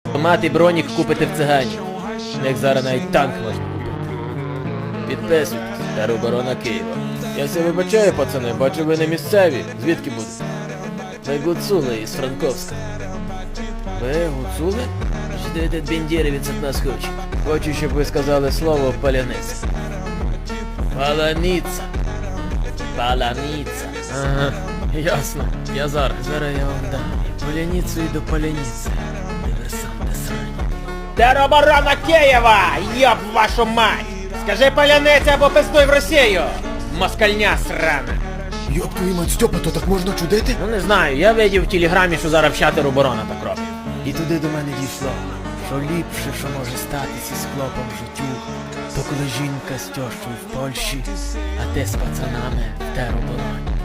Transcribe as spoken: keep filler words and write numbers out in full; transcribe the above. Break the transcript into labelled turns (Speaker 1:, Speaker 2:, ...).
Speaker 1: Мати бронік купите в цигані. В них зараз навіть танк можна купити. Підписуйтесь. Тероборона Києва. Я все вибачаю, пацани, бачу ви не місцеві. Звідки будете? Ви гуцули із Франковська. Ви гуцули? Що этот бендєрівець від нас хоче? Хочу, щоб ви сказали слово паляниця. Паляниця. Паляниця. Ага, ясно. Я зараз. Зараз я вам дам. Паляницю і до паляниці. Диверсанти срані. Тероборона Києва! Йоб вашу мать! Скажи паляниця або пиздуй в Росію! Москальня срана!
Speaker 2: Йоп твою мать, Стьопа, то так можна чудити?
Speaker 1: Ну не знаю, я видів в телеграмі, що зараз вся тероборона так робить. І туди до мене дійшло, що ліпше, що може статися з хлопом в життю, то коли жінка з тьощою в Польщі, а ти з пацанами в теробороні.